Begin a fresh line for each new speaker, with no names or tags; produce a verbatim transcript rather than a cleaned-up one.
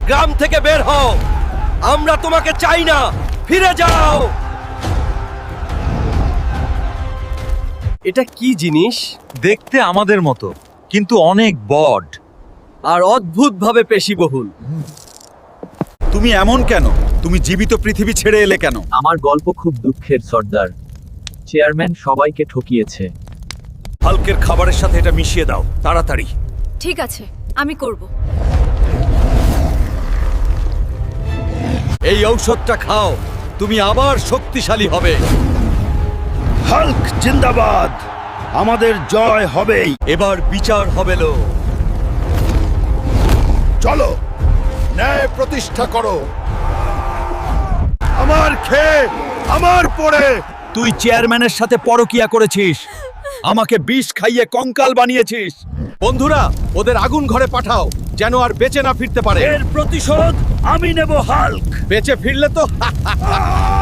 গ্রাম থেকে বের হও, আমরা তোমাকে চাই না, ফিরে যাও। এটা কি জিনিস?
দেখতে আমাদের মতো, কিন্তু অনেক বড।
আর অদ্ভুতভাবে পেশিবহুল।
তুমি এমন কেন? তুমি জীবিত পৃথিবী ছেড়ে এলে কেন?
আমার গল্প খুব দুঃখের সর্দার। চেয়ারম্যান সবাইকে ঠকিয়েছে।
হাল্কের খাবারের সাথে এটা মিশিয়ে দাও, তাড়াতাড়ি।
ঠিক আছে, আমি করব।
এই ঔষধটা খাও, তুমি আবার শক্তিশালী হবে।
হাল্ক জিন্দাবাদ, আমাদের জয় হবেই।
এবার বিচার হবে লো।
চলো, ন্যায় প্রতিষ্ঠা করো। আমার খেয়ে আমার পরে
তুই চেয়ারম্যানের সাথে পরকিয়া করেছিস, আমাকে বিষ খাইয়ে কঙ্কাল বানিয়েছিস। বন্ধুরা, ওদের আগুন ঘরে পাঠাও, যেন আর বেঁচে না ফিরতে পারে।
এর প্রতিশোধ আমি নেব হাল্ক।
বেঁচে ফিরলে তো